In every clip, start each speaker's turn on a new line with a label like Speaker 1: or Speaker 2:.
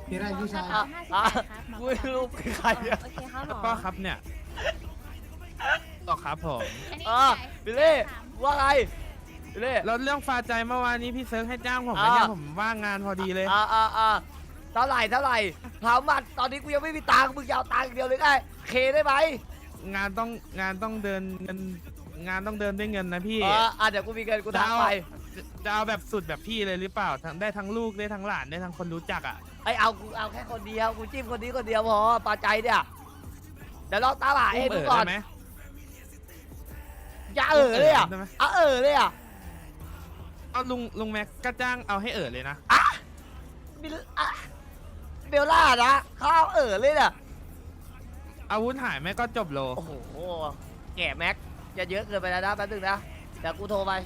Speaker 1: พี่ไรพี่ชาย
Speaker 2: กูไม่รู้เป็นใครอะ
Speaker 3: โอเคครับหมอ
Speaker 4: ก็ครับเนี่ยก็ครับผม
Speaker 3: อันนี้
Speaker 2: บิลลี่ว่าไงบิลลี่
Speaker 4: แล้วเรื่องฟาใจเมื่อวานนี้พี่เซิร์ฟให้จ้างผมไหมเนี่ยผมว่างงานพอดีเลย
Speaker 2: เท่าไหร่ถามมันตอนนี้กูยังไม่มีตังค์มึงจะเอาตังค์อย่างเดียวเลยไงเคได้ไหม
Speaker 4: งานต้องเดินเงินงานต้องเดินด้วยเงินนะพี่
Speaker 2: เดี๋ยวกูมีเงินกูทักไป
Speaker 4: จะเอาแบบสุดแบบพี่เลยหรือเปล่าได้ทั้งลูกได้ทั้งหลานได้ทั้งคนรู้จักอ่ะ
Speaker 2: กูเอาแค่คนเดียวกูจิ้มคนนี้คนเดียวพอปาใจเนี่ยเดี๋ยวลองตามหาเองดูก่อน
Speaker 4: ได้ไหม
Speaker 2: อย่าเลยอ่ะ
Speaker 4: ได้ไหม
Speaker 2: เลยอ่ะ
Speaker 4: เอาลุงแม็กก็จ้างเอาให้เลยนะ
Speaker 2: เบลล่านะเขาเอาเลยเนี่ย
Speaker 4: อาวุธหายไหมก็จบโล
Speaker 2: โอ้โหแก่แม็กจะเยอะเกินไปแล้วนะแป๊บนึงนะเดี๋ยวกูโทรไป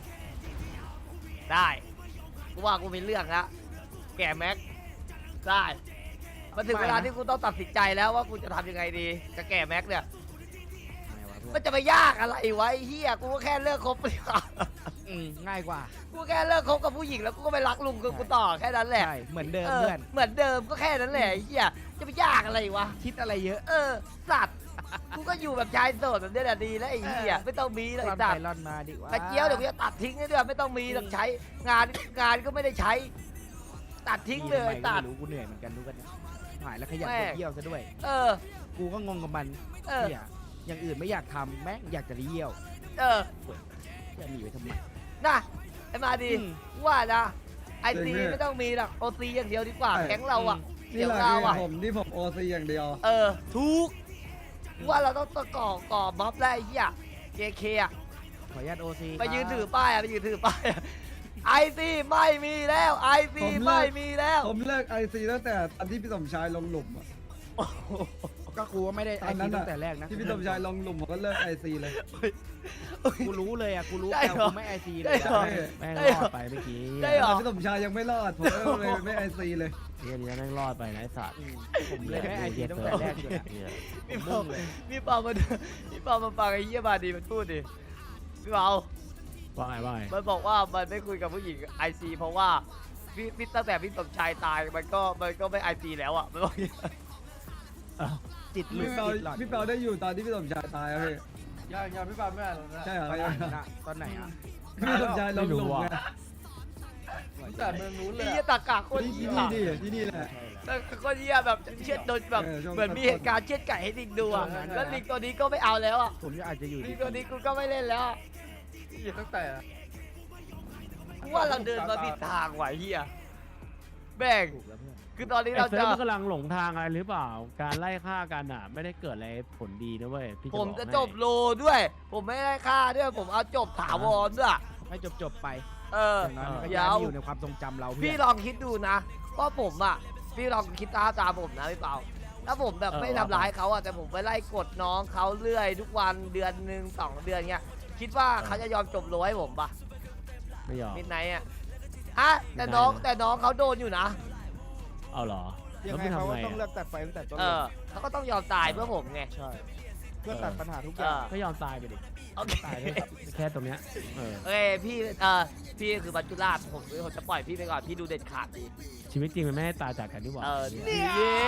Speaker 2: ได้กูว่ากูมีเรื่องละแก่แม็กได้มันถึงเวลาที่กูต้องตัดสินใจแล้วว่ากูจะทำยังไงดีกับแก่แม็กเนี่ยมันจะไปยากอะไรวะไอ้เฮียกูก็แค่เลิกคบไปก่อน
Speaker 5: ง่ายกว่า
Speaker 2: กูแค่เลิกคบกับผู้หญิงแล้วกูก็ไปรักลุงกูต่อแค่นั้นแหละ
Speaker 5: ใช่เหมือนเดิมเพื่อน
Speaker 2: เหมือนเดิมก็แค่นั้นแหละไอ้เฮียจะไปยากอะไรวะ
Speaker 5: คิดอะไรเยอะ
Speaker 2: สัตว์กูก็อยู่แบบชายโสดแบบนี้แหละดีแล้วไอ้เหี้ยไม่ต้องมีเลย
Speaker 5: ร่อน
Speaker 2: สัต
Speaker 5: ไป
Speaker 2: ว์
Speaker 5: ร่อนมาดีกว่า
Speaker 2: กระเจียวเดี๋ยวกูจะตัดทิ้งให้ด้วยไม่ต้องมีต้องใช้งานก็ไม่ได้ใช้ ตัดทิ้งเลย
Speaker 5: ตั
Speaker 2: ตั
Speaker 5: ด
Speaker 2: ด
Speaker 5: รู้กูเหนื่อยเหมือนกันรู้กันเนี่ยหายแล้วขยัน
Speaker 2: แม่
Speaker 5: ไปเยี่ยวซะด้วย
Speaker 2: เออ
Speaker 5: กูก็งงกับมัน
Speaker 2: เออ
Speaker 5: เนี่ยอย่างอื่นไม่อยากทำแม่งอยากจะเยี่ยว
Speaker 2: เออ
Speaker 5: จะหนีไปทำไม
Speaker 2: น่ะไอ้มาดี
Speaker 5: อืม
Speaker 2: ว่านะไอซีไม่ต้องมีหรอกโอซีอย่างเดียวดีกว่าแก๊งเราอ่ะ
Speaker 1: นี่
Speaker 2: เดี๋ยว
Speaker 1: แหละ
Speaker 2: เรา
Speaker 1: คือ
Speaker 2: อ่ะ
Speaker 1: ผมที่ผมโอซีอย่างเดียว
Speaker 2: ทุกว่าเราต้องก่อม็อบได้ไอ้เหี้ยเจเคอ่ะ
Speaker 5: ขออนุญาตโอซี
Speaker 2: ไปยืนถือป้ายอ่ะไปยืนถือป้ายไอซีไม่มีแล้วไอซี
Speaker 1: ผมเลิก
Speaker 2: ไม่มีแล้ว
Speaker 1: ผมเลิกไอซีตั้งแต่ตอนที่พี่สมชายลงหลุมอะ
Speaker 5: ก็กูว่าไม่ได้
Speaker 1: ต
Speaker 5: ไอ
Speaker 1: อนนั้
Speaker 5: ซี
Speaker 1: น
Speaker 5: ตั้
Speaker 1: อะ
Speaker 5: งแต่แรกนะ
Speaker 1: ที่พี่สมชายลงหลุมผมก็เลิกไอซีเลย
Speaker 5: กูรู้เลยอ่ะกูรู้
Speaker 2: ได้
Speaker 5: แต่
Speaker 2: เหรอ
Speaker 5: กูไม่ไอซีเล
Speaker 2: ได้
Speaker 5: ย
Speaker 2: เหรอ
Speaker 5: แม่ง
Speaker 2: ได้
Speaker 5: ร
Speaker 2: เหร
Speaker 5: อ
Speaker 2: อ
Speaker 5: ดไปเมื่อกี้
Speaker 2: ได้เหรอ
Speaker 1: พี่สมชายยังไม่รอดผมก็เลยไม่ไอซีเลย
Speaker 6: เฮียนี่แม่งรอดไปนะไอ้สัตว์
Speaker 5: ผมเลยไม่ไอซีตั้งแต่แรกเลยอะ
Speaker 6: เฮีย
Speaker 2: พี่เปาพี่เปามาพี่เปามาฟังไอ้เหี้ยบาดีมันพูดดิพี่เปา
Speaker 6: ว่าไงว่าไง
Speaker 2: มันบอกว่ามันไม่คุยกับผู้หญิงไอซีเพราะว่าพี่ตั้งแต่พี่สมชายตายมันก็ไม่ไอซีแล้วอ่ะมันบอกอย่างเงี้ย
Speaker 5: จิตหลุด
Speaker 1: พี่เปา
Speaker 5: จิตหลอด
Speaker 1: พี่เปาได้อยู่ตอนที่พี่สมชายตายอะพี่
Speaker 7: ยังพี่ปาไม่อ่านนะ
Speaker 1: ใช่เหรอ
Speaker 5: ตอนไหนนะตอนไหนอ่ะ
Speaker 1: พี่สมชายลงหลุมไง
Speaker 7: แต่เมืองนู้นเล
Speaker 2: ไอ้
Speaker 7: ย
Speaker 2: เหี้ยตากากโคตร
Speaker 1: ที่
Speaker 2: เหี้ย
Speaker 1: นี่ดิที่นี่แหละ
Speaker 2: ตากากโคตรเหี้ยแบบเช็ดโดนแบบ
Speaker 1: ช่วง
Speaker 2: เหมือนมีเหตุการณ์เช็ดไก่ให้ลิงดูอ่ะแล้วลิงตัวนี้ก็ไม่เอาแล้วอ่ะ
Speaker 5: ผมจะอาจจะอยู่
Speaker 2: ลิงตัวนี้กูก็ไม่เล่นแล้วอะ
Speaker 7: ตั้งแต่
Speaker 2: กูว่าเราเดินมาผิดทางว่ะเหี้ยแบ่ง
Speaker 5: ถูกแล้วเพื่อน
Speaker 2: คือตอนนี้
Speaker 6: ไอ้
Speaker 2: เรา
Speaker 6: เซิ
Speaker 2: จะ
Speaker 6: ร์ฟมันกำลังหลงทางอะไรหรือเปล่า การไล่ฆ่ากันอ่ะ ไม่ได้เกิดอะไรผลดีนะเว้ยพี่
Speaker 2: ผม
Speaker 6: บอก
Speaker 2: จะ
Speaker 6: ให้
Speaker 2: จบโลด้วย ผมไม่ได้ฆ่าด้วยผมเอาจบถาวรด้วย
Speaker 5: ให้จบไป
Speaker 2: อย่าง
Speaker 5: น้อยมันก็
Speaker 2: เดี๋
Speaker 5: ยั
Speaker 2: ย
Speaker 5: ง
Speaker 2: ว
Speaker 5: อยู่ในความทรงจำเรา
Speaker 2: พี่
Speaker 5: เพื่อน
Speaker 2: ลองคิดดูนะว่าผมอ่ะพี่ลองคิดตามผมนะพี่เปาถ้าผมแบบไม่ทำร้ายเขาอ่ะแต่ผมไปไล่กดน้องเขาเรื่อยทุกวันเดือนหนึ่ง2 เดือนเงี้ยคิดว่าเขาจะยอมจบโลให้ผมปะ
Speaker 6: ไม่ยอม
Speaker 2: มิดไนท์อ่ะแต่น้องเขาโดนอยู่นะ
Speaker 6: เอาเหรอ
Speaker 5: ยั
Speaker 6: แล้ว
Speaker 5: งไง
Speaker 6: ไม่
Speaker 5: เขา
Speaker 6: ทำ
Speaker 5: ก็
Speaker 6: ไง
Speaker 5: ต้องเลือกตัดไฟตั้งแต่ต้น
Speaker 2: เอ
Speaker 5: เลย
Speaker 2: อเขาก็ต้องยอมตายเพื่อผมไง
Speaker 5: ใช่เพื่อตัดปัญหาทุกอย่าง
Speaker 6: ก็ยอมตายไปดิ
Speaker 2: โอเค
Speaker 6: ตายด้วยแค่ตรงเนี้ยเออ
Speaker 2: โอเคพี่คือบัจจุราชผมจะปล่อยพี่ไปก่อนพี่ดูเด็ดขาดดี
Speaker 6: ชีวิตจริงมันไม่ให้ตายจากกันนี่หว่า
Speaker 2: เนี่ย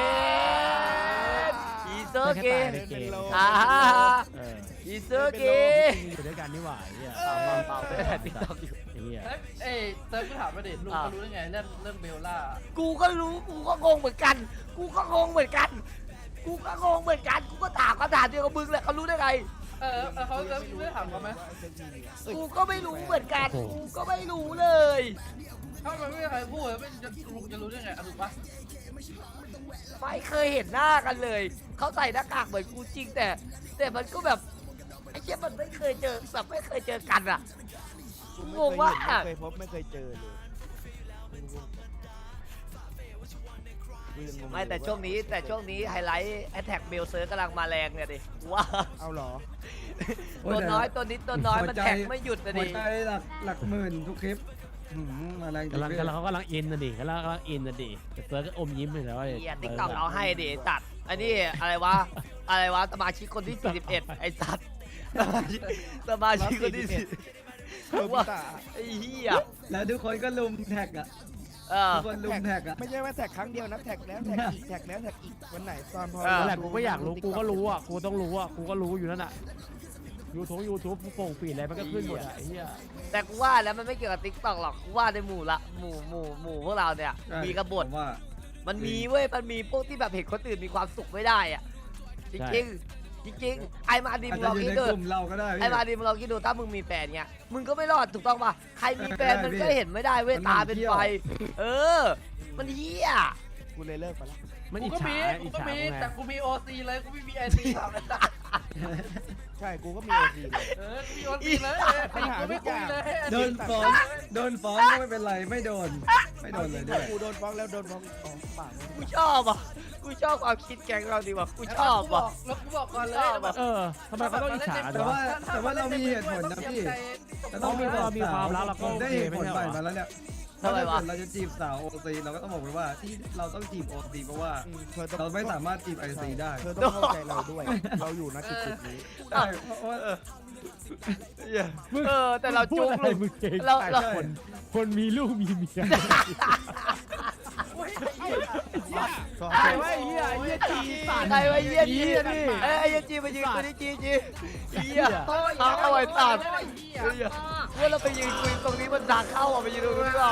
Speaker 2: อีเซอร์เก
Speaker 6: แค่ตายในเกม
Speaker 2: อ่า
Speaker 6: เออ
Speaker 2: อีเซอร์เก
Speaker 6: ชีวิตจริงอยู่ด้วยกันนี่หว่าไอ้เฮีย
Speaker 2: เปล่าไม่ได้ติ๊กต็อกอยู่
Speaker 6: ไอ้เฮีย
Speaker 7: เอ้ยเติร์กกูถามมาดิลุงเขารู้ได้ไงเรื่องเบลล่า
Speaker 2: กูก็รู้กูก็งงเหมือนกัน กูก็งงเหมือนกัน กูก็งงเหมือนกันกูก็ถามคำถามเดียวกับมึงแหละเขารู้ได้ไง
Speaker 7: เขาจะไม่ได้ถามเขาไหม
Speaker 2: กูก็ไม่รู้เหมือนกันกูก็ไม่รู้เลย
Speaker 7: ถ้ามันไม่มีใครพูดไม่จะลุงจะรู้ได้ไงถูกปะ
Speaker 2: ไม่เคยเห็นหน้ากันเลยเขาใส่หน้ากากเหมือนกูจริงแต่มันก็แบบไอ้เจ้ามันไม่เคยเจอแบบไม่เคยเจอกันอ่ะงงว่า
Speaker 5: ไม่เคยพบไม่เคยเจอเลย
Speaker 2: ไม่แต่ช่วงนี้ไฮไลท์แอตแทกเบลเซอร์กำลังมาแรงเนี่ยดิว่า
Speaker 5: เอาเหรอ
Speaker 2: ตัวน้อยตัวนิดตัวน้อยมันแท็กไม่หยุดนะ
Speaker 1: หัว
Speaker 2: ดิ
Speaker 1: ใจหลักหมื่นทุกคลิปมาแรงจริง
Speaker 6: เขากำลังอินนะดิเขากำลังอินนะดิแต่เซิร์ฟก็อมยิ้มไปแล้ว
Speaker 2: เฮียติ๊กต็อกเอาให้ดิตัดอันนี้อะไรวะสมาชิกคนที่41ไอ้สัตว์สมาชิกคนที่10ว่าไอ้เหี้ย
Speaker 1: แล้วทุกคนก็ลุมแท็กอ่ะทุกคนลุมแท็กอะ
Speaker 5: ไม่ใช่ว่าแท็กครั้งเดียวนะแท็กแล้วแท็กอีกแท็กแล้วแท็กอีกวันไหนตอนพอ
Speaker 6: นั่นแหละกูก็อยากรู้กูก็รู้อ่ะกูต้องรู้อ่ะกูก็รู้อยู่นั่นอ่ะยูทูบโป่งปีดอะไรมันก็ขึ้นหมดอ่ะไอ้เหี้ย
Speaker 2: แต่กูว่าแล้วมันไม่เกี่ยวกับติ๊กต็อกหรอกกูว่าในหมู่ละหมู่พวกเราเนี่ย
Speaker 1: ใช่
Speaker 2: มีกบฏ
Speaker 1: ผมว่า
Speaker 2: มันมีเว้ยมันมีพวกที่แบบเห็นคนอื่นมีความสุขไม่ได้อ่ะจริงจริงไอ้มาดี
Speaker 1: อาจ
Speaker 2: มึง
Speaker 1: จะ
Speaker 2: ลอง
Speaker 1: อยู่
Speaker 2: คิด
Speaker 1: ใน
Speaker 2: ดู
Speaker 1: กลุ่มเราก็ได้พี่
Speaker 2: ไอ้มาดีมึงลองคิดดูถ้ามึงมีแฟนเงี้ยมึงก็ไม่รอดถูกต้องป่ะใครมีแฟนมันก็เห็นไม่ได้เว้ย
Speaker 1: มัน
Speaker 2: ตาเป็น
Speaker 1: เที่ยว
Speaker 2: ไฟเออ มันเหี้ย
Speaker 5: กูเลยเลิกไปแล้ว
Speaker 6: มัน
Speaker 7: กู
Speaker 6: อิจ
Speaker 7: ก็
Speaker 6: ฉา
Speaker 7: มี
Speaker 6: อิจ
Speaker 7: กูก็
Speaker 6: ฉา
Speaker 7: มี
Speaker 6: ไง
Speaker 7: แต่กูมีโอซีเลยกูไม่มีไอซีทำเลย
Speaker 5: ใช่กูก็มีโอซีเลย
Speaker 7: กูมีโอซีเลย
Speaker 5: ปัญหาทุกอย่าง
Speaker 1: โดนฟ้องโดนฟ้องก็ไม่เป็นไรไม่โดนเลยด้วย
Speaker 5: กูโดนฟ้องแล้วโดนฟ้องปาก
Speaker 2: กูชอบอ่ะกูชอบความคิดแกงเราดีว่ะกูชอบอ่ะ
Speaker 7: แล้วกูบอกก่อนเลย
Speaker 6: ทำไมเขาต้องอิจฉา
Speaker 1: แต่
Speaker 6: ด้วย
Speaker 1: ว่าเรามีเหตุผลนะพี่เราต้องมี
Speaker 6: มีความรักเราก็
Speaker 1: ได้
Speaker 6: โอเค
Speaker 1: เหตุผล
Speaker 6: ไม่
Speaker 1: ให
Speaker 6: ใช่เหรอ
Speaker 1: ม่มาแล้วเนี่ย
Speaker 2: ทำไมวะ
Speaker 1: ถ้าเกิดเราจะจีบสาวโอซีเราก็ต้องบอกไว้ว่าที่เราต้องจีบโอซีเพราะว่า
Speaker 5: เรา
Speaker 1: เราไม่สามารถจีบไอซีได้
Speaker 5: เธอต้องเข้าใจเราด้วย เราอยู่ณจุดนี้
Speaker 1: ใช่เพราะว่า
Speaker 2: แต่เรา
Speaker 6: พู
Speaker 2: จุ
Speaker 6: ด
Speaker 2: ก
Speaker 6: อะไร
Speaker 2: ลูก
Speaker 6: มึงเก่ง
Speaker 2: เรา
Speaker 6: ใจ
Speaker 2: เรา
Speaker 6: คนมีลูกมีเมีย
Speaker 5: ใคร
Speaker 6: ไอ้เหี้ยจีสัตว์
Speaker 2: ใครวะเยี่ยจี
Speaker 6: นี่
Speaker 2: ไอ้เยี่ยจีมายืนคุยที่จีเยี่ยเอาไว้ตัดว่าเราไปยืนคุยตรงนี้มันดังเข้าอ่ะไปยืนตรงนี้ก่อน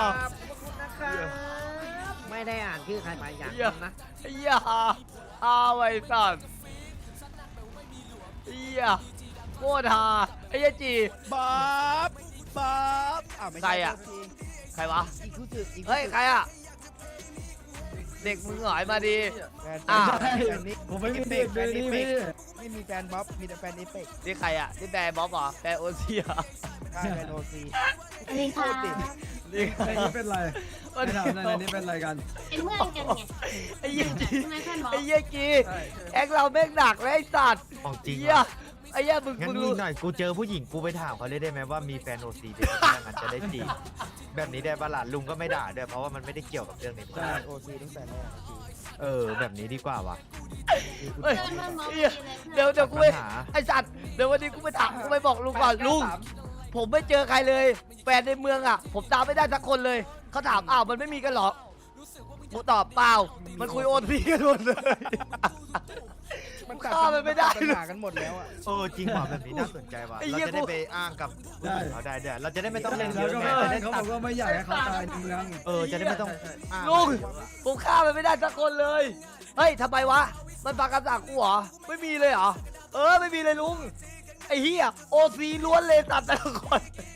Speaker 3: ไม่ได้อ่านชื่อใครมาอย่าง
Speaker 2: เยี่ย
Speaker 3: นั้นนะ
Speaker 2: เยี่ยเอาไว้ตัดเยี่ยโคตรฮาไอ้เยี่ยจี
Speaker 5: บ๊อบไม่
Speaker 2: ใคร
Speaker 5: ใช่
Speaker 2: อะ ใครวะ
Speaker 5: อีกคู่สึกอีก
Speaker 2: เฮ้ยใครอ่ะเด็กมึงหอยมาดี
Speaker 5: แฟน
Speaker 2: อ้าว
Speaker 5: แฟนนี้
Speaker 1: ผมไม่มีเด็กเลยนี่พี่
Speaker 5: ไม่มีแฟนบ๊อบมีแต่แฟนเอเปก
Speaker 2: นี่ใครอ่ะนี่แบร์บ๊อบเหรอแบร์โอซีเหรอ
Speaker 5: ใช่แฟนโอซี
Speaker 8: สวัสดีค่ะ
Speaker 2: นี่
Speaker 1: ไอ้นี่เป็นไรไอ้ถามหน่อยนี่เป็นไรกัน
Speaker 8: เป็นเพื่อนกันไง
Speaker 2: ไอ้เยี่ยจี
Speaker 8: ทำไมเพื่อนบอก
Speaker 2: ไอ้เยี่ยจีแอกเราแม่งหนักเลยไอ้สัตว์
Speaker 9: ของจริง
Speaker 2: เยี่ยไอ้เยี่ยมึง
Speaker 9: งั้น
Speaker 2: มึง
Speaker 9: นี่
Speaker 2: รู้
Speaker 9: หน่อยกูเจอผู้หญิงกูไปถามเขาเลยได้ไหมว่ามีแฟนโอซีเป็นยังไงจะได้จีบแบบนี้ได้ปะล่ะลุงก็ไม่ด่าด้วยเพราะว่ามันไม่ได้เกี่ยวกับเรื่องนี้
Speaker 1: ใช่
Speaker 5: โอซีตั้งแต่แรก
Speaker 9: แบบนี้ดีกว่าวะ
Speaker 2: เฮ้ย
Speaker 8: เพื่อนบอก
Speaker 2: เหี้ย เดี๋ยวกูไป
Speaker 9: ปัญหา
Speaker 2: ไอ้สัตว์เดี๋ยววันนี้กูไปถามกูไปบอกลุงก่อนลุงผมไม่เจอใครเลยแฟนในเมืองอ่ะ ผมตามไม่ได้สักคนเลยเขาถามอ้าวมันไม่มีกันเหรอกูตอบเปล่ามันคุยโอนพีกันหมดเลย
Speaker 5: มัน
Speaker 2: ฆ่ามันไม่ได้
Speaker 5: ปัญหากันหมดแล้วอ่ะ
Speaker 9: จริงว่ะแบบนี้น่าสนใจว่ะ
Speaker 2: ไอ้
Speaker 9: เรา
Speaker 2: เหี้ย
Speaker 9: จะได้ไปอ้างกับผู้หญิงเขาได้ด้วยเราจะได้ไม่ต้องเล่นเย
Speaker 1: แล้ว
Speaker 9: อะ
Speaker 1: ก็
Speaker 9: ไงจะได้
Speaker 1: เขาบ
Speaker 9: ตั
Speaker 1: อ
Speaker 9: ด
Speaker 1: กว่าไม่อยากให้เขาตายในเมือง
Speaker 9: จะได้ไม่ต้องอ้าง
Speaker 2: ลุงผมฆ่ามันไม่ได้สักคนเลยเฮ้ยทำไมวะมันฟังคำสั่งกูเหรอไม่มีเลยเหรอไม่มีเลยลุงไอ้เหี้ยโอซีล้วนเลยตัดแต่ละคน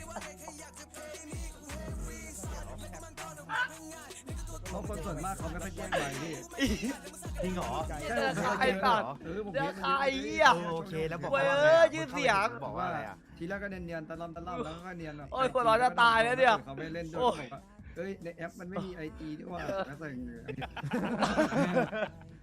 Speaker 1: เพราะคนส่วนมากเขาไม่ค่อยแจ้งไปพี่
Speaker 9: จริงเหรอ
Speaker 1: ใช่
Speaker 2: เจอ
Speaker 1: ผม
Speaker 2: ใคร
Speaker 1: ไม่แจ้ง
Speaker 2: ตัด
Speaker 1: ผม
Speaker 2: เจอ
Speaker 1: เรียก
Speaker 2: ใครเหี้ย
Speaker 9: โอเคแล้วบอก
Speaker 2: เว้
Speaker 9: ว่าย
Speaker 2: ยืดเสียง
Speaker 9: บอกว่าอะไรอ่ะ
Speaker 1: ทีแรกก็เนียนๆตะล่อมแล้วก็เนียนแบบ
Speaker 2: โอ้ยคนเราจะตายแล้วเนี่ย
Speaker 1: เขาไม่เล่นด้วย
Speaker 2: โอ้ย
Speaker 1: บอกว่าเอ้ยในแอปมันไม่มีไอจีด้วยว่าแล้วใส่เงิน